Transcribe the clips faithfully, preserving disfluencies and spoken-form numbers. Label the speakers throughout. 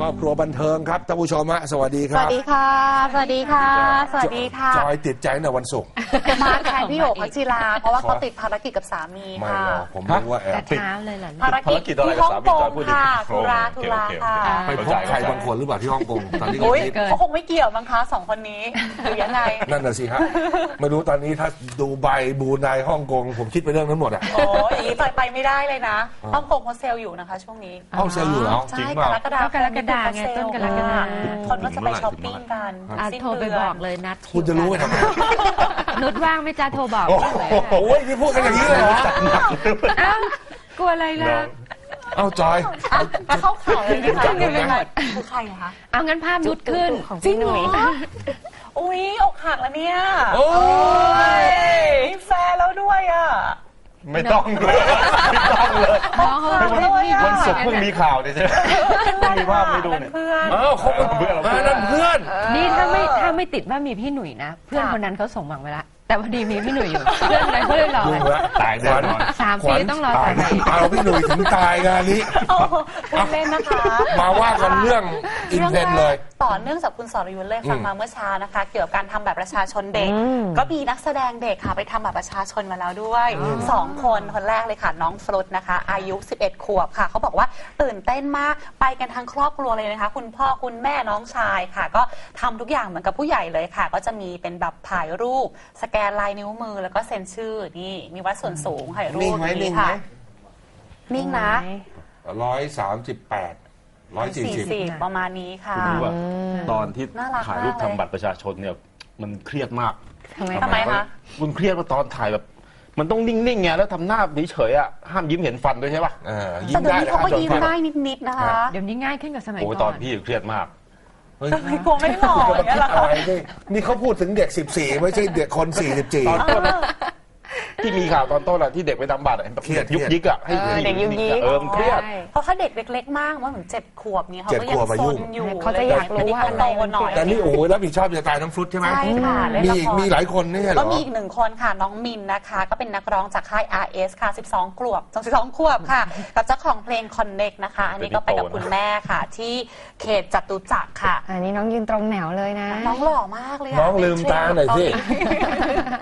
Speaker 1: ครอบครัวบันเทิงครับท่านผู้ชมฮะสวัสดีค
Speaker 2: ส
Speaker 1: รับ
Speaker 2: วัสดีค่ะสวัสดีค่ะสวัสดีค่ะ
Speaker 1: จอยติดใจในวันศุกร์
Speaker 2: มาแทนพี่โอ๋พัชจิราเพราะว่าเขาติดภารกิจกับสามี
Speaker 1: ไม่
Speaker 2: ค่ะ
Speaker 1: หรอกผมรู้ว่าแอบ
Speaker 3: ติดเช้าเลยเหรอ
Speaker 2: ภารกิจที่ฮ่องกงค่ะธุระธุระค่ะ
Speaker 1: ไปพบใครบางคนหรือเปล่าที่ฮ่องกงตอนนี้
Speaker 2: อุ้ย
Speaker 1: ก็
Speaker 2: เขาคงไม่เกี่ยวมั้งคะสองคนนี้หรือยังไง
Speaker 1: นั่นน่ะสิฮะไม่รู้ตอนนี้ถ้าดูใบบรูไนฮ่องกงผมคิดไปเรื่องนั้นหมดอ่ะ
Speaker 2: โอ้ยอย่างนี้ไปไปไม่ได้เลยนะฮ่องกงเขาเซลอยู่นะคะช่วงนี้
Speaker 1: ห้องเซลล์อยู่แล้ว
Speaker 2: ใช่
Speaker 1: จริง
Speaker 2: ก
Speaker 1: เปล่าร
Speaker 2: กฎาคม
Speaker 3: กรกฎาไงต้นกรกฎา
Speaker 2: คนก็จะไปช้อปปิ้งกัน
Speaker 3: อ่ะ
Speaker 2: สิ้น
Speaker 3: โทรไป
Speaker 2: เดือน
Speaker 3: บอกเลยนัด
Speaker 1: คุณจะรู้ไปทำไม
Speaker 3: นุชว่างไม่จ้าโทรบอก
Speaker 1: โอ้
Speaker 3: เลย
Speaker 1: โหนี่พูดกันอย่างนี้เลยเหรอ
Speaker 3: อ้าวกลัวอะไรล่ะ
Speaker 1: เอาจอย
Speaker 2: อ่ะอ่ะเข้าข่าวเลยนะคะ
Speaker 1: จับเลยนะ
Speaker 2: คือใครอะคะ
Speaker 3: เอางั้นภาพนุชขึ้น
Speaker 2: จริงเหรออุ้ยอกหักแล้วเนี่ย
Speaker 1: โอ้ย
Speaker 2: มีแฟนแล้วด้วยอ่ะ
Speaker 4: ไม่ต้องเลยไม่ต้องเลย
Speaker 3: น้องเขาไม่ได้พี่
Speaker 4: วันศุกร์เพิ่งมีข่าวเนี่ยใช่ไหมเพิ่งมีภาพให้ดูเนี่ย
Speaker 2: เพื่อน
Speaker 1: เอ้าเขาเป็นเพื่อนนั่นเพื่อน
Speaker 3: นี่ถ้าไม่ถ้าไม่ติดว่ามีพี่หนุ่ยนะ เพื่อนคนนั้นเขาส่งหวังไว้ละแต่พอดีมีพี่หนุ่ยอยู่เพื่อนอะไรเขาเลยรอ
Speaker 1: ดู
Speaker 3: ไว้
Speaker 1: แล้ว
Speaker 4: ตายแน่นอน
Speaker 3: สามปีต้องรอ
Speaker 1: ตาย
Speaker 3: แต่ไหน
Speaker 1: เอาพี่หนุ่ยถึงตายงานนี้
Speaker 2: โอ้โหพูดเล่นนะคะ
Speaker 1: มาว่ากันเรื่องอินเทนเลย
Speaker 2: ต่อเนื่องจากคุณสรยุทธ์เลยฟังมาเมื่อเช้านะคะ เกี่ยวกับการทำแบบประชาชนเด็ก ก็มีนักแสดงเด็กค่ะไปทำแบบประชาชนมาแล้วด้วยสองคนคนแรกเลยค่ะน้องฟลุตนะคะ อายุสิบเอ็ดขวบค่ะเขาบอกว่าตื่นเต้นมากไปกันทั้งครอบครัวเลยนะคะคุณพ่อคุณแม่น้องชายค่ะ ก็ทำทุกอย่างเหมือนกับผู้ใหญ่เลยค่ะ ก็จะมีเป็นแบบถ่ายรูปสแกนลายนิ้วมือแล้วก็เซ็นชื่อนี่มีวัดส่วนสูงถ่ายรู
Speaker 1: นิ่
Speaker 2: ป
Speaker 1: งไหมนิ่
Speaker 2: นี่
Speaker 1: งไหม
Speaker 2: ค่ะนิ่งนะ
Speaker 1: ร้อยสามสิบแปดร้อยสี่สิบ
Speaker 2: ประมาณนี้ค่ะ
Speaker 4: คุณรู้ว่าตอนที่
Speaker 2: น่ารัก
Speaker 4: ถ่ายรูป
Speaker 2: มากเลย
Speaker 4: ทำบัตรประชาชนเนี่ยมันเครียดมาก
Speaker 3: ทำไม
Speaker 2: ทำไมคะ
Speaker 4: คุณเครียดว่าตอนถ่ายแบบ มันต้องนิ่งๆไงแล้วทำหน้าเฉยๆอ่ะห้ามยิ้มเห็นฟันด้วยใช่ป่ะ
Speaker 1: เออยิ้
Speaker 2: แต่
Speaker 1: ม
Speaker 2: เดี๋ยว
Speaker 1: ได้
Speaker 2: นี้
Speaker 1: นะ
Speaker 2: เขาก็
Speaker 1: โดน
Speaker 2: ยิ้ม
Speaker 1: ฟัน
Speaker 2: ได้นิดๆนะคะ
Speaker 3: เดี๋ยวนี้ง่ายขึ้นกับสมัย
Speaker 4: โอ้ย
Speaker 3: ก่
Speaker 4: ต
Speaker 3: อ
Speaker 4: อน นพี่เครียดมาก
Speaker 1: เฮ้ย
Speaker 2: ทำไมกลัวไม่หล่ออย่างเงี้ยล่ะ
Speaker 1: อะ
Speaker 2: คะ
Speaker 1: ไรนี่นี่เขาพูดถึงเด็กสิบสี่ไม่ใช่เด็กคนสี่สิบสี่
Speaker 4: ตอนต้นอะที่มีข่าวตอนต้นอะที่เด็กไปทำบัตรอะ
Speaker 1: เครียด
Speaker 4: ยุกยิกอะให้
Speaker 3: เออ
Speaker 4: ให้
Speaker 3: เด็กยุกยิก
Speaker 4: เออมันเครียด
Speaker 3: ใช่
Speaker 2: เพราะเขาเด็กเล็กๆมากว่าเหมือนเจ็ดขวบเนี่ยเขาก็
Speaker 1: เจ็ด
Speaker 2: ยั
Speaker 1: ขวบ
Speaker 2: ง
Speaker 1: อา
Speaker 2: ซ
Speaker 1: ยุ
Speaker 2: นอยู่
Speaker 3: เขาจะอยากรู้ว่า
Speaker 2: อันนี้เขาโตหน่อย
Speaker 1: แต่นี่โอ้ยรับผิดชอบจะตายน้องฟลุตใช่ไหม
Speaker 2: ใช่ค่ะเล่น
Speaker 1: มี
Speaker 2: ละคร
Speaker 1: มีหลายคนนี่เหร
Speaker 2: ก็
Speaker 1: อ
Speaker 2: มีอีกหนึ่งคนค่ะน้องมินนะคะ ก็เป็นนักร้องจากค่าย อาร์ เอส ค่ะสิบสองขวบสิบสองขวบค่ะ กับเจ้าของเพลง Connect นะคะ อันนี้ก็ไปกับคุณแม่ค่ะ ที่เขตจตุจักรค่ะ
Speaker 5: อันนี้น้องยืนตรงแนวเลยนะ
Speaker 2: น้องหล่อมากเลยะ
Speaker 1: น้องลืมตาหน่อยสิ
Speaker 2: เทรนด์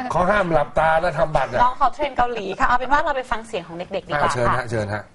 Speaker 1: เขาห้ามหลับตาแล้วทำบัตรอ่ะ
Speaker 2: น้องเขาเทรนด์เกาหลีค่ะเอาเป็นว่าเราไปฟังเสียงของเด็กๆดีก
Speaker 1: อ่า
Speaker 2: ว่า
Speaker 1: เชิญ
Speaker 2: ค่ะ
Speaker 1: ฮะเชิญฮะ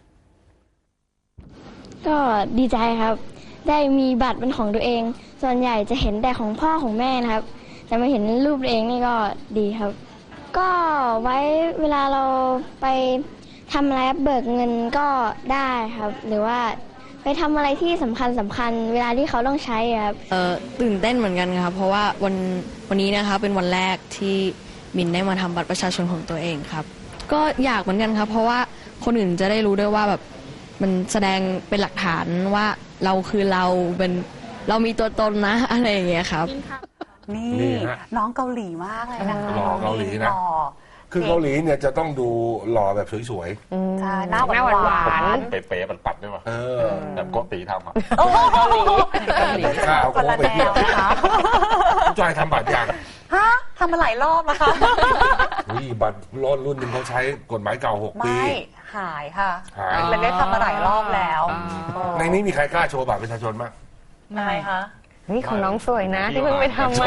Speaker 6: ก็ดีใจครับ ได้มีบัตรเป็นของตัวเอง ส่วนใหญ่จะเห็นแต่ของพ่อของแม่นะครับ แต่มาเห็นรูปตัวเองนี่ก็ดีครับ ก็ไว้เวลาเราไปทำอะไรเบิกเงินก็ได้ครับ หรือว่าไปทำอะไรที่สำคัญสำคัญเวลาที่เขาต้องใช้ครับ
Speaker 7: เอ่อตื่นเต้นเหมือนกันครับเพราะว่าวันวันนี้นะคะเป็นวันแรกที่มินได้มาทำบัตรประชาชนของตัวเองครับก็อยากเหมือนกันครับเพราะว่าคนอื่นจะได้รู้ด้วยว่าแบบมันแสดงเป็นหลักฐานว่าเราคือเราเป็นเรามีตัวตนนะอะไรอย่างเงี้ยครับ
Speaker 2: นี่
Speaker 1: นี่ฮะ
Speaker 2: น้องเกาหลีมากเลยนะคะ
Speaker 1: หล่อเกาหลีนะ
Speaker 2: ล่อ
Speaker 1: คือเกาหลีเนี่ยจะต้องดูหล่อแบบสวย
Speaker 2: ใช่หน้าห
Speaker 3: หน้าห
Speaker 2: วาน
Speaker 3: วาน
Speaker 2: หวาน
Speaker 4: เป๋ๆปัดๆด้วยป่ะ
Speaker 1: ๆ เออ
Speaker 4: แบบโกติทำอะ
Speaker 2: โอ้โห
Speaker 1: ข้าว
Speaker 2: คนละ
Speaker 1: โค้งไป
Speaker 2: แน
Speaker 1: เที่ยว
Speaker 2: วนะคะ
Speaker 1: จอยทำบัตรยัง
Speaker 2: ฮะทำมาหลายรอบนะคะ
Speaker 1: อุ้ยบัตรรุ่นรุ่นหนึ่งเขาใช้กฎหมายเก่าหกปี
Speaker 2: ไม่หายค่ะ
Speaker 1: หาย
Speaker 2: เล็กๆทำมาหลายรอบแล้ว
Speaker 1: ในนี้มีใครกล้าโชว์บัตรประชาชนบ้าง
Speaker 2: ทำไมคะ
Speaker 5: นี่ของน้องสวยนะ ที่เพิ่งไปทำมา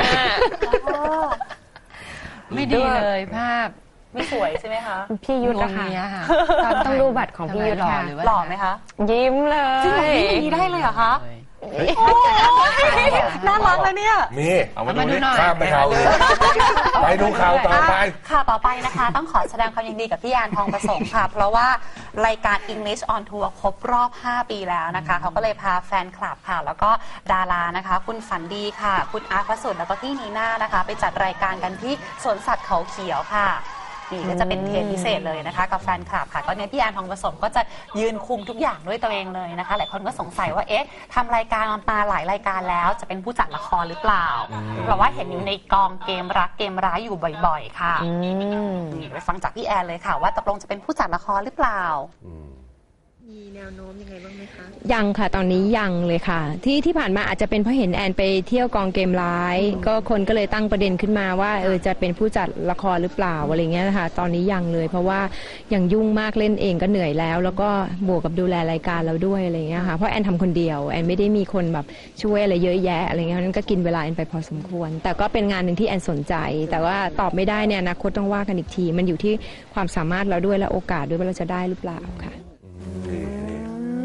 Speaker 3: ไม่ดีเลยภาพ
Speaker 2: ไม่สวยใช่ไหมคะ
Speaker 5: พี่ยุทธ
Speaker 3: ง
Speaker 5: นะ
Speaker 3: ง
Speaker 5: คะ
Speaker 3: เนี้ยค่ะ
Speaker 5: ต้องดูบัตรของพี่ยุทธ
Speaker 3: หล่อ
Speaker 5: ค่ะ
Speaker 3: หรือว่า
Speaker 2: หล่อไหมคะ
Speaker 5: ยิ้มเลย
Speaker 2: จริงเหรอนี่อย่างนี้ได้เลยเหรอคะโอ้ยน่ารักเลยเนี่ย
Speaker 1: มี
Speaker 4: เอามา
Speaker 3: มา
Speaker 4: ดู
Speaker 3: ดู
Speaker 4: ดิ
Speaker 3: หน่อย
Speaker 1: ข้ามไปข่าวอื่นไปดูข่าวต่อไป
Speaker 2: ค่ะต่อไปนะคะ ต้องขอแสดงความยินดีกับพี่ยานทองประสงค์ค่ะ เพราะว่ารายการ English on Tour ครบรอบ ห้า ปีแล้วนะคะเขาก็เลยพาแฟนคลับค่ะ แล้วก็ดารานะคะ คุณฝันดีค่ะ คุณอาร์ตพระสุดแล้วก็พี่นีน่านะคะ ไปจัดรายการกันที่สวนสัตว์เขาเขียวค่ะนี่ก็จะเป็นเทปพิเศษเลยนะคะกับแฟนคลับค่ะก็เนี่ยพี่แอนทองผสมก็จะยืนคุมทุกอย่างด้วยตัวเองเลยนะคะหลายคนก็สงสัยว่าเอ๊ะทำรายการมาหลายรายการแล้วจะเป็นผู้จัดละครหรือเปล่าเพราะว่าเห็นอยู่ในกองเกมรักเกมร้ายอยู่บ่อยๆค่ะนี่ไปฟังจากพี่แอนเลยค่ะว่าตกลงจะเป็นผู้จัดละครหรือเปล่า
Speaker 3: มีแนวโน้มยังไงบ้างไหมคะ
Speaker 5: ยังค่ะตอนนี้ยังเลยค่ะ ที่ที่ผ่านมาอาจจะเป็นเพราะเห็นแอนไปเที่ยวกองเกมร้ายก็คนก็เลยตั้งประเด็นขึ้นมาว่าเออจะเป็นผู้จัดละครหรือเปล่าอะไรเงี้ยนะคะตอนนี้ยังเลย เพราะว่ายังยุ่งมากเล่นเองก็เหนื่อยแล้ว แล้วก็บวกกับดูแลรายการเราด้วยอะไรเงี้ยค่ะเพราะแอนทำคนเดียวแอนไม่ได้มีคนแบบช่วยอะไรเยอะแยะอะไรเงี้ยนั้นก็กินเวลาแอนไปพอสมควร แต่ก็เป็นงานหนึ่งที่แอนสนใจ แต่ว่าตอบไม่ได้เนี่ยอนาคตต้องว่ากันอีกทีมันอยู่ที่ความสามารถเราด้วยและโอกาสด้วยว่าเราจะได้หรือเปล่าค่ะ
Speaker 1: นี่นี่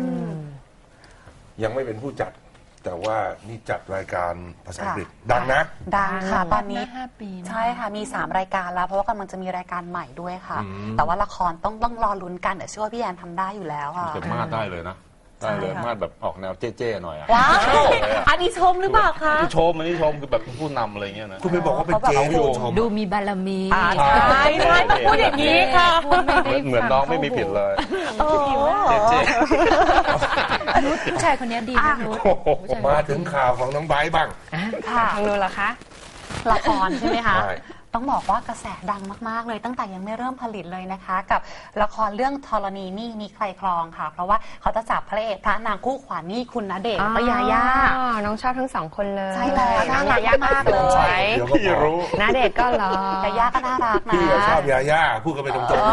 Speaker 1: ยังไม่เป็นผู้จัด แต่ว่านี่จัดรายการภาษาอังกฤษดังนะ
Speaker 2: ดังค่ะตอนนี้
Speaker 3: ห้าปีนะ
Speaker 2: ใช่ค่ะมีสามรายการแล้วเพราะว่ากำลังจะมีรายการใหม่ด้วยค่ะ
Speaker 1: อืม
Speaker 2: แต่ว่าละครต้องต้องรอลุ้นกันแต่เชื่อว่าพี่แอนทำได้อยู่แล้วค่ะ
Speaker 4: แต่มาดได้เลยนะได้เลย
Speaker 2: ใช่ค่ะ
Speaker 4: มาดแบบออกแนวเจ๊ๆหน่อยอะ
Speaker 2: ว้าวอันนี้ชมหรือเปล่าคะ
Speaker 4: ที่ชมอันนี้ชมคือแบบผู้นำอะไรเงี้ยนะ
Speaker 1: คุณไปบอกว่าเป็นเจ๊
Speaker 2: เขาแบบ
Speaker 1: พี่โอชม
Speaker 3: ดูมีบารมี
Speaker 2: อ่าใช่ใช่ต้องพูดอย่างนี้ค่ะ
Speaker 4: เหมือนเหมือนน้องไม่มีผิดเลย
Speaker 2: โอ้
Speaker 4: เจ๊
Speaker 3: นุชผู้ชายคนนี้ดีนะนุช
Speaker 1: มาถึงข่าวของน้องไบร์ทบ้าง
Speaker 2: ค่ะ
Speaker 5: ทางนู้นเหรอคะ
Speaker 2: ละครใช่ไหมคะ
Speaker 1: ใช่
Speaker 2: ต้องบอกว่ากระแสดังมากๆเลยตั้งแต่ยังไม่เริ่มผลิตเลยนะคะ กับละครเรื่องธรณีนี่มีใครครองค่ะ เพราะว่าเขาจะจับพระเอกพระนางคู่ขวัญนี่คุณณเดชน์และยาย่า
Speaker 5: อ๋อน้องชอบทั้งสองคนเลย
Speaker 2: ใช่แล้วน่ารักมากเลย
Speaker 1: ใช่เดี๋ยวก็
Speaker 4: พี่
Speaker 1: บอก
Speaker 4: รู้
Speaker 5: นาเดชน์ก็เหรอย
Speaker 2: าย่าก็น่ารักนะ
Speaker 1: พี่ก็ชอบยาย่าพูดกันไปตรง
Speaker 2: โอ้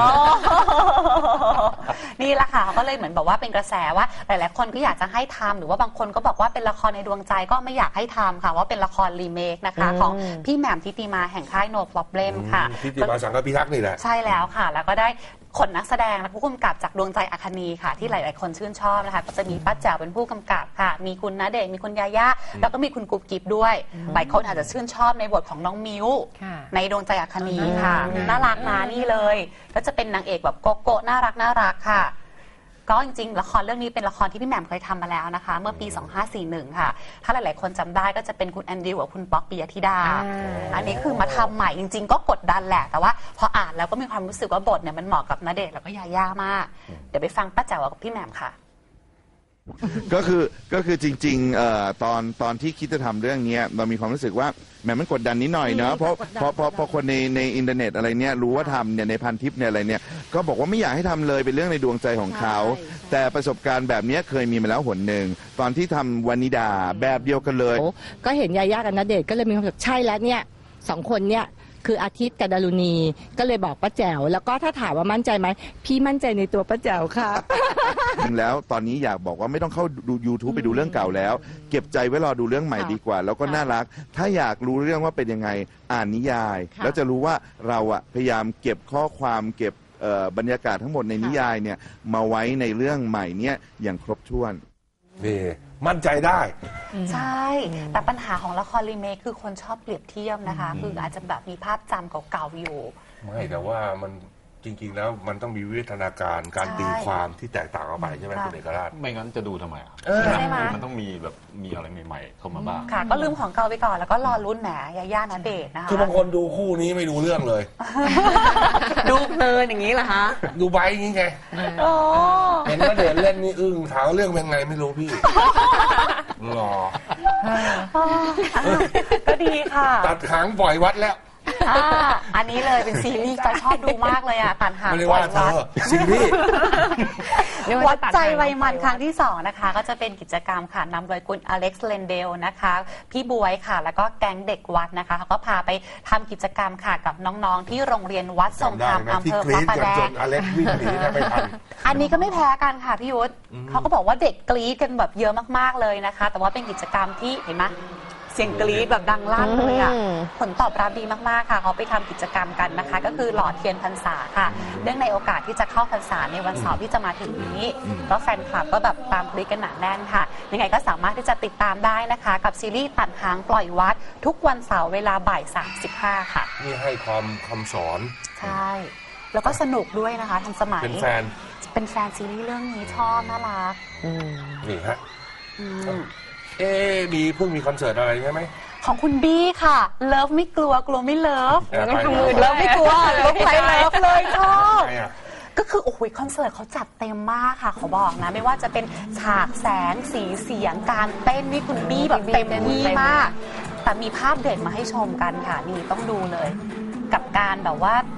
Speaker 2: นี่แหละค่ะเขาก็เลยเหมือนแบบว่าเป็นกระแสว่าหลายๆคนก็อยากจะให้ทำหรือว่าบางคนก็บอกว่าเป็นละครในดวงใจก็ไม่อยากให้ทำค่ะว่าเป็นละครรีเมคนะคะของพี่แหม่มทิติมาแห่งค่าย No Problem
Speaker 1: ๆ
Speaker 2: ค่ะ
Speaker 1: ทิติมาสังกพิทักษ์นี่แหละ
Speaker 2: ใช่แล้วค่ะ แล้วก็ได้ขนนักแสดงและผู้กำกับจากดวงใจอาคานีค่ะ ที่หลาย ๆ คนชื่นชอบนะคะก็จะมีป้าแจ๋วเป็นผู้กำกับค่ะ มีคุณณเดชน์มีคุณยาย่าแล้วก็มีคุณกุ๊บกิ๊บด้วยหลายคนอาจจะชื่นชอบในบทของน้องมิ้ว
Speaker 3: ค่ะ
Speaker 2: ในดวงใจอาคานีค่ะน่ารักนะนี่เลยก็จะเป็นนางเอกแบบโกโก้น่ารักน่ารักค่ะก็จริง ๆ ละครเรื่องนี้เป็นละครที่พี่แหม่มเคยทำมาแล้วนะคะ เมื่อปี สองพันห้าร้อยสี่สิบเอ็ด ค่ะ ถ้าหลาย ๆ คนจำได้ก็จะเป็นคุณแอนดริวกับคุณป๊อกปิยธิดา อันนี้คือมาทำใหม่จริง ๆ ก็กดดันแหละ แต่ว่าพออ่านแล้วก็มีความรู้สึกว่าบทเนี่ยมันเหมาะกับณเดชน์แล้วก็ยาย่ามาก เดี๋ยวไปฟังป้าแจ๋วกับพี่แหม่มค่ะ
Speaker 8: ก็คือก็คือจริงๆเอ่อตอนตอนที่คิดจะทำเรื่องเนี้ยเรามีความรู้สึกว่าแหมมันกดดันนิดหน่อยเนาะเพราะเพราะเพราะเพราะคนในในอินเทอร์เน็ตอะไรเนี้ยรู้ว่าทำเนี่ยในพันทิปเนี่ยอะไรเนี่ยก็บอกว่าไม่อยากให้ทำเลยเป็นเรื่องในดวงใจของเขา แต่ประสบการณ์แบบเนี้ยเคยมีมาแล้วหนหนึ่งตอนที่ทำวานิดาแบบเดียวกันเลย
Speaker 9: ก็เห็นยาย่ากับณเดชน์ก็เลยมีความรู้สึกใช่แล้วเนี่ยสองคนเนี่ยคืออาทิตย์กับดารุณีก็เลยบอกป้าแจ๋วแล้วก็ถ้าถามว่ามั่นใจไหมพี่มั่นใจในตัวป้าแจ๋วค่ะ
Speaker 8: จริงแล้วตอนนี้อยากบอกว่าไม่ต้องเข้าดู YouTube ไปดูเรื่องเก่าแล้ว เก็บใจไว้รอดูเรื่องใหม่ดีกว่า แล้วก็น่ารัก ถ้าอยากรู้เรื่องว่าเป็นยังไงอ่านนิยาย
Speaker 9: ค่ะ
Speaker 8: แล้วจะรู้ว่าเราอะพยายามเก็บข้อความเก็บเอ่อบรรยากาศทั้งหมดในนิยายเนี่ยมาไว้ในเรื่องใหม่เนี่ยอย่างครบถ้วน
Speaker 1: นี่มั่นใจได้
Speaker 2: ใช่ แต่ปัญหาของละครรีเมคคือคนชอบเปรียบเทียบนะคะ คืออาจจะแบบมีภาพจำเก่าๆอยู่
Speaker 1: ไม่แต่ว่ามันจริง ๆ แล้วมันต้องมีวิวัฒนาการการ
Speaker 2: ใช่
Speaker 1: ตีความที่แตกต่างออกไปใช่ไหม
Speaker 2: ค่ะ
Speaker 1: คุณเอกราช
Speaker 4: ไม่งั้นจะดูทำไมอ่ะ
Speaker 1: เออ
Speaker 2: ใช่ไหม
Speaker 4: มันต้องมีแบบมีอะไรใหม่ๆเข้ามาบ้าง
Speaker 2: ค่ะ ก็ลืมของเก่าไปก่อนแล้วก็รอรุ่นแหมยาย่าณเดชน์นะคะ
Speaker 1: คือบางคนดูคู่นี้ไม่ดูเรื่องเลย
Speaker 2: ดูเพลินอย่างนี้เหรอคะ
Speaker 1: ดูไบร์ทอย่างงี้ไง
Speaker 2: โอ้
Speaker 1: เห็นว่าเดชน์เล่นนี่อึ้งถามว่าเรื่องเป็นไงไม่รู้พี่หรอ
Speaker 2: ก็ดีค่ะ
Speaker 1: ตัดหางปล่อยวัดแล้ว
Speaker 2: อ่าอันนี้เลยเป็นซีรีส์จอยชอบดูมากเลยอ่ะตันหาง
Speaker 1: ไม่ได้
Speaker 2: ปล่
Speaker 1: ว่า
Speaker 2: อย
Speaker 1: เธ
Speaker 2: วั
Speaker 1: อ
Speaker 2: ด
Speaker 1: ซีรีส์
Speaker 2: วัดใจไวยมันครั้งที่สองนะคะ ก็จะเป็นกิจกรรมค่ะนำโดยคุณอเล็กซ์เลนเดลนะคะ พี่บวยค่ะ แล้วก็แก๊งเด็กวัดนะคะเขาก็พาไปทำกิจกรรมค่ะกับน้องๆ ที่โรงเรียนวัดทรงธรรม
Speaker 1: จำได้ไหม
Speaker 2: อำ
Speaker 1: ที่
Speaker 2: เภอก
Speaker 1: รี๊
Speaker 2: พระ
Speaker 1: ด
Speaker 2: ประ
Speaker 1: กัน
Speaker 2: แด
Speaker 1: จ
Speaker 2: ง
Speaker 1: นอเล็กซ์วิ่งหนีกันไม่ทัน
Speaker 2: อันนี้ก็ไม่แพ้กันค่ะพี่ยุทธเขาก็บอกว่าเด็กกรี๊ดกันแบบเยอะมากๆเลยนะคะ แต่ว่าเป็นกิจกรรมที่เห็นไหมเสียงกรี๊ดแบบดังลั่นเลยอ่ะ
Speaker 5: อืม
Speaker 2: ผลตอบรับดีมากๆค่ะเขาไปทำกิจกรรมกันนะคะ ก็คือหล่อเทียนพรรษาค่ะเนื่องในโอกาสที่จะเข้าพรรษาในวันเสาร์ที่จะมาถึงนี้ก็แฟนคลับก็แบบตามกรี๊ดกันหนาแน่นค่ะยังไงก็สามารถที่จะติดตามได้นะคะ กับซีรีส์ตัดหางปล่อยวัด ทุกวันเสาร์เวลาบ่ายสามสิบห้าค่ะ
Speaker 1: นี่ให้ความคำสอน
Speaker 2: ใช่ แล้วก็สนุกด้วยนะคะทันสมัย
Speaker 1: เป็นแฟน
Speaker 2: เป็นแฟนซีรีส์เรื่องนี้ชอบน่ารัก
Speaker 1: นี่ฮะ
Speaker 2: อืม
Speaker 1: เอ๊ะมีเพิ่งมีคอนเสิร์ตอะไรใช่ไหม
Speaker 2: ของคุณบี้ค่ะ เลิฟไม่กลัวกลัวไม่เลิฟ
Speaker 1: แอบไป
Speaker 2: ทำมือเลิฟไม่กลัวเลิฟใครเลิฟเลยชอบ
Speaker 1: ใครอ่ะ
Speaker 2: ก็คือโอ้โหคอนเสิร์ตเขาจัดเต็มมากค่ะเขาบอกนะ ไม่ว่าจะเป็นฉากแสงสีเสียงการเต้นนี่คุณบี้แบบเต็มที่มาก แต่มีภาพเด็ดมาให้ชมกันค่ะนี่ต้องดูเลย กับการแบบว่า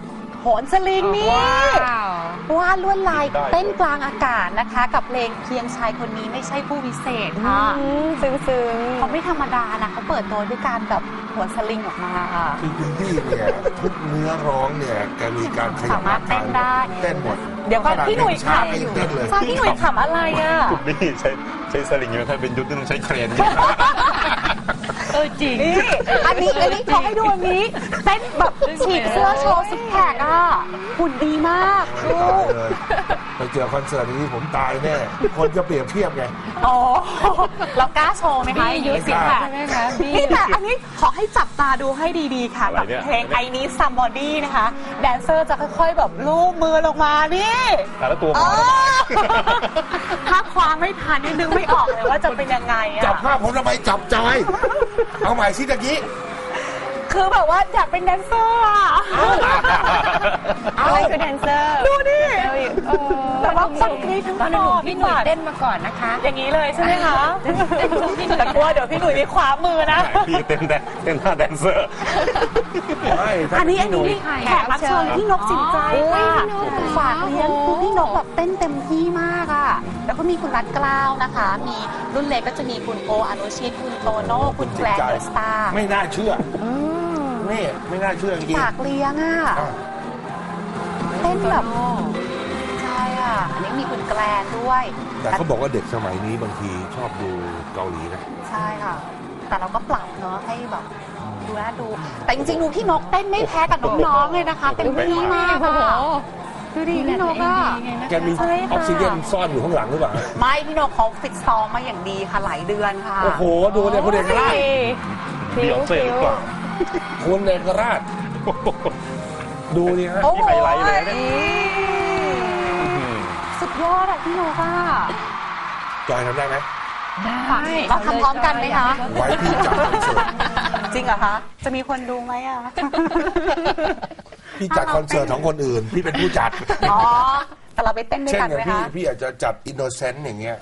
Speaker 2: โหนสลิงนี่วาดลวดลายเต้นกลางอากาศนะคะ กับเพลงเพียงชายคนนี้ไม่ใช่ผู้วิเศษค่ะ
Speaker 6: ซึ้งๆ
Speaker 2: เขาไม่ธรรมดานะเขาเปิดตัวด้วยการแบบโหนสลิงออกมาค่ะ
Speaker 1: คือคุณพี่เนี่ยทุกเนื้อร้องเนี่ยแกมีการขยับ
Speaker 2: สามารถเต้นได้
Speaker 1: เต้นหมด
Speaker 2: เดี๋ยวก่อนพี่หนุ่ย
Speaker 1: ช้า
Speaker 2: ขำ
Speaker 1: ไม่เต้นเลย
Speaker 2: ฟ้าพี่หนุ่ยขำอะไรอ่ะ
Speaker 4: คุณนี่ใช้ใช้สลิงไม่ค่อยเป็นยุทธ์ต้องใช้เครน
Speaker 3: เออจริง
Speaker 2: นี่อันนี้อันนี้เขาให้ดูอันนี้เต้นแบบฉีกเสื้อโชว์ซิกแพคอ่ะหุ่นดีมากดู
Speaker 1: ตายเลยไปเจอคอนเสิร์ตนี้ผมตายแน่คนจะเปรียบเทียบไง
Speaker 2: อ๋อเรากล้าโชว์ไหมคะอายุสิบแปด
Speaker 3: ใช่ไหมคะบี้
Speaker 2: นี่แต่อันนี้ขอให้จับตาดูให้ดีๆค่ะ
Speaker 4: อะไร
Speaker 2: กับ
Speaker 4: เนี่ย
Speaker 2: เพลง I Need Somebody นะคะแดนเซอร์จะค่อยๆแบบลูบมือลงมานี่
Speaker 4: แต่ละตัว
Speaker 2: เอ
Speaker 4: มา
Speaker 2: อถ้าคว้างไม่ทันนี่นึกไม่ออกเลยว่าจะเป็นยังไงอะ
Speaker 1: จับภาพผมทำไมจับใจเอาใหม่สิตะกี้
Speaker 2: คือแบบว่าอยากเป็นแดนเซอร์อะ
Speaker 3: อะไรคือแดนเซอร์
Speaker 2: ดูดิแต่ว่าคนกรี๊ดทั้ง
Speaker 3: ตอนนั้น
Speaker 2: ค
Speaker 3: ห
Speaker 2: อ
Speaker 3: นูพี่หนุ่ยเต้นมาก่อนนะคะ
Speaker 2: อย่างนี้เลยใช่ไหมคะแต่กลัวเดี๋ยวพี่หนุ่ยมีคว้ามือนะ
Speaker 4: พี่เต้นแดนเต้นท่าแดนเซอร์
Speaker 1: ไม่ถ้า
Speaker 2: อันนี้อัน
Speaker 1: พี่ห
Speaker 2: นี้
Speaker 1: ย
Speaker 2: แขกรับเชิญพี่นกสินใจค่ะฝากเลี้ยงคือพี่นกแบบเต้นเต็มที่มากอ่ะแล้วก็มีคุณรัตเกล้าวนะคะ มีรุ่นเล็กก็จะมีคุณโออนุชิตคุณโตโน่คุณแกรนด์เดอะสตาร์
Speaker 1: ไม่น่าเชื่อนี่ไม่น่าเชื่อจริง
Speaker 2: ฝากเลี้ยงอ่ะ
Speaker 1: ๆอ่ะ
Speaker 2: เต้นแบบใช่อ่ะอันนี้มีคุณแกรนด้วย
Speaker 1: แต่เขาบอกว่าเด็กสมัยนี้บางทีชอบดูเกาหลีนะ
Speaker 2: ใช่ค่ะ แต่เราก็ปรับเนาะให้แบบดูน่าดู แต่จริงๆดูพี่นกเต้นไม่แพ้กับน้องๆเลยนะคะเต็มที่มากอะดูดิพี่นกอะ
Speaker 1: แกมีออกซิเจนซ่อนอยู่ข้างหลังหรือเปล่า
Speaker 2: ไม่พี่นกเขาฟิตซ้อมมาอย่างดีค่ะหลายเดือนค่ะ
Speaker 1: โอ้โหดูเนี่ยคุณเอกราช
Speaker 4: เบียร์เซ่หรือเปล่า
Speaker 1: คุณเอกราชดูนี่ฮะ
Speaker 2: โอ้โห
Speaker 4: นี่ไฮไลท์เลยเนี่ย
Speaker 2: สุดยอดอะพี่นกอะ
Speaker 1: จอยทำได้ไหม
Speaker 3: ได้
Speaker 2: เราทำพร้อมกันไหมคะ
Speaker 1: ไว้พี่จัดคอนเสิร์ต
Speaker 2: จริงเหรอคะจะมีคนดูไหมอะ
Speaker 1: พี่จัดคอนเสิร์ตของคนอื่น พี่เป็นผู้จัด
Speaker 2: อ๋อแต่เราไปเต้นด้วย
Speaker 1: เช่น
Speaker 2: กัน
Speaker 1: อย่าง
Speaker 2: ไหม
Speaker 1: พี่
Speaker 2: คะ
Speaker 1: พี่อาจจะจัดอินโนเซนต์อย่างเงี้ย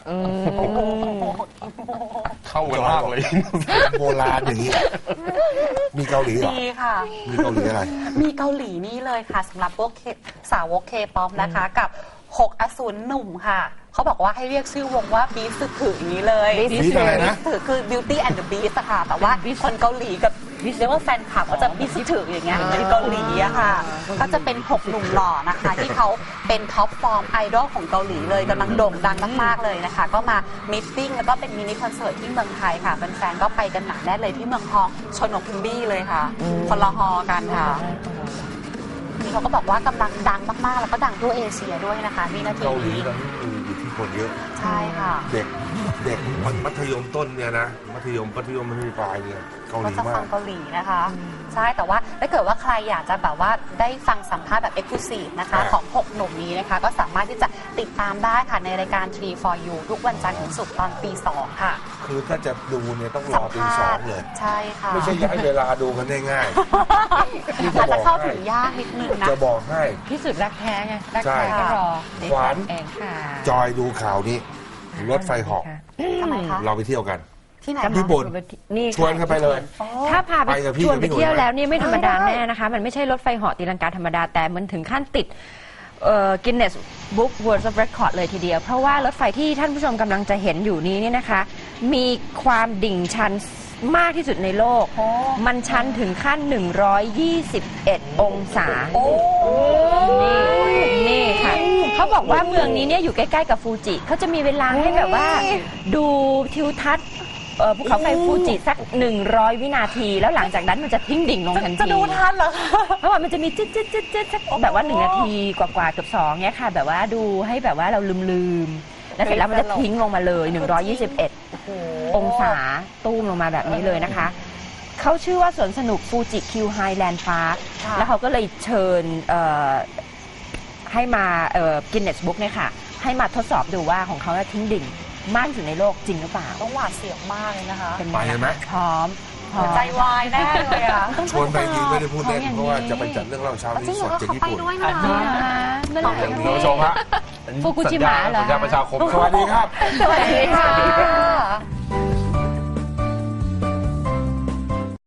Speaker 4: เข้ากันมากเลย
Speaker 1: โบราณอย่างเงี้ยมีเกาหลีเหรอ
Speaker 2: ดีค่ะ
Speaker 1: มีเกาหลีอะไร
Speaker 2: มีเกาหลีนี่เลยค่ะสำหรับพวกเคสาวกเคป๊อปนะคะกับหกอสูรหนุ่มค่ะเขาบอกว่าให้เรียกชื่อวงว่าบีสถืออย่างนี้เลย
Speaker 1: Beast อะไรนะ
Speaker 2: ถือคือ Beauty and the Beast อะค่ะแต่ว่าคนเกาหลีกับเรียกว่าแฟนคลับก็จะบีสถืออย่างเงี้ยเป็นเกาหลีอะค่ะก็จะเป็นหกหนุ่มหล่อนะคะที่เขาเป็นท็อปฟอร์มไอดอลของเกาหลีเลยกำลังโด่งดังมากๆเลยนะคะก็มามิทติ้งแล้วก็เป็นมินิคอนเสิร์ตที่เมืองไทยค่ะแฟนๆก็ไปกันหนาแน่นเลยที่เมืองฮองชนกพิมบี้เลยค่ะคนละฮอกันค่ะนี่เขาก็บอกว่ากำลังดังมากๆแล้วก็ดังทั่วเอเชียด้วยนะคะวินาที
Speaker 1: เกาหลี
Speaker 2: นี้
Speaker 1: ตอนนี้มีอิทธิพลเยอะ
Speaker 2: ใช่ค่ะ
Speaker 1: เด็กเด็กมัธยมต้นเนี่ยนะมัธยมมัธยมมัธยมปลายเนี่ยเกาห
Speaker 2: ก็
Speaker 1: ลี
Speaker 2: จะ
Speaker 1: มา
Speaker 2: ฟั
Speaker 1: ก
Speaker 2: งเกาหลีนะคะ ใช่แต่ว่าถ้าเกิดว่าใครอยากจะแบบว่าได้ฟังสัมภาษณ์แบบ Exclusive นะคะ
Speaker 1: อ่า
Speaker 2: ของหกหนุ่มนี้นะคะ ก็สามารถที่จะติดตามได้ค่ะในรายการ ทรี ฟอร์ ยู ทุกวันจันทร์ถึงศุกร์ตอนตีสองค่ะ
Speaker 1: คือถ้าจะดูเนี่ยต้องร
Speaker 2: สั
Speaker 1: อ
Speaker 2: ม
Speaker 1: ตี
Speaker 2: ภา
Speaker 1: สอง
Speaker 2: ษณ์
Speaker 1: เลย
Speaker 2: ใช่ค่ะ
Speaker 1: ไม่ใช่ย้ายเวลาดูกันได้ง่าย นี่จะ
Speaker 2: อาจ
Speaker 1: บ
Speaker 2: จะ
Speaker 1: อก
Speaker 2: เข้า
Speaker 1: ให้
Speaker 2: ถึงยากนิดนึงนะ
Speaker 1: จะบอกให้
Speaker 3: ที่สุดรักแท้ไงรัก
Speaker 1: ใช่
Speaker 3: แท้ก็รอ
Speaker 1: ขวาน
Speaker 3: เองค่ะ
Speaker 1: จอยดูข่าวนี้รถไฟเหาะ
Speaker 2: ทำไมคะ
Speaker 1: เราไปเที่ยวกัน
Speaker 2: ที่ไหน
Speaker 1: ญี่
Speaker 2: คะ
Speaker 1: ปุ่น
Speaker 3: นี่
Speaker 1: ชวนกันไปเลย
Speaker 3: ถ้าพาไป
Speaker 1: ไปกับพี่
Speaker 3: ชวนไป
Speaker 1: กับพี่หนุ่ย
Speaker 3: เที่ยว
Speaker 1: ไหม
Speaker 3: แล้วนี่ไม่ธรรมดา
Speaker 2: ได้
Speaker 3: แน่นะคะ มันไม่ใช่รถไฟเหาะตีลังกาธรรมดาแต่มันถึงขั้นติดกินเนสบุ๊กเวิลด์ออฟเรคคอร์ดเลยทีเดียว เพราะว่ารถไฟที่ท่านผู้ชมกำลังจะเห็นอยู่นี้เนี่ยนะคะ มีความดิ่งชันมากที่สุดในโลก มันชันถึงขั้น หนึ่งร้อยยี่สิบเอ็ด องศา นี่นี่ค่ะเขาบอกว่าเมืองนี้เนี่ยอยู่ใกล้ๆกับฟูจิเขาจะมีเวลาให้แบบว่าดูทิวทัศน์เอ่อภูเขาไฟฟูจิสักหนึ่งร้อยวินาที แล้วหลังจากนั้นมันจะทิ้งดิ่งลงทันที
Speaker 2: จะดูทันเหรอคะ
Speaker 3: เพราะว่ามันจะมีจิ๊ดจิ๊ดจิ๊ดจิ๊ดสักแบบว่าหนึ่งนาทีกว่าๆเกือบสองเนี้ยค่ะ แบบว่าดูให้แบบว่าเราลืมๆแล้วเสร็จแล้วมันจะทิ้งลงมาเลยหนึ่งร้อยยี่สิบเอ็ดองศาตู้มลงมาแบบนี้เลยนะคะเขาชื่อว่าสวนสนุกฟูจิคิวไฮแลนด์พาร์คแล้วเขาก็เลยเชิญเอ่อให้มากินเนสบุ๊กเนี่ยค่ะให้มาทดสอบดูว่าของเขาทิ้งดิ่งมากที่สุดในโลกจริงหรือเปล่า
Speaker 2: ต้องหวาดเสียวมากเลยนะคะ
Speaker 3: เป็น
Speaker 1: ไปเลยไหม
Speaker 3: พร้อมพร้อม
Speaker 2: ใจวายแน่เลยอ่ะ
Speaker 1: ชวนไปจริงไม่ได้พูดเล่นเพราะว่าจะไปจัดเรื่องเล่าเช้า
Speaker 2: จริ
Speaker 1: นี้
Speaker 2: งเหร
Speaker 1: ส
Speaker 2: อ
Speaker 1: ดจาก
Speaker 2: เขา
Speaker 1: ญี่
Speaker 2: ไป
Speaker 1: ปุ่น
Speaker 2: ด้วยนะ
Speaker 3: เมื่อไหร่
Speaker 1: ท่าน
Speaker 4: ท่านผู้ชมฮะ
Speaker 3: ฟุกุชิมะเหรอ
Speaker 4: สัญญาประชาคม
Speaker 1: สวัสดีครับ
Speaker 3: สวัสดีค่ะ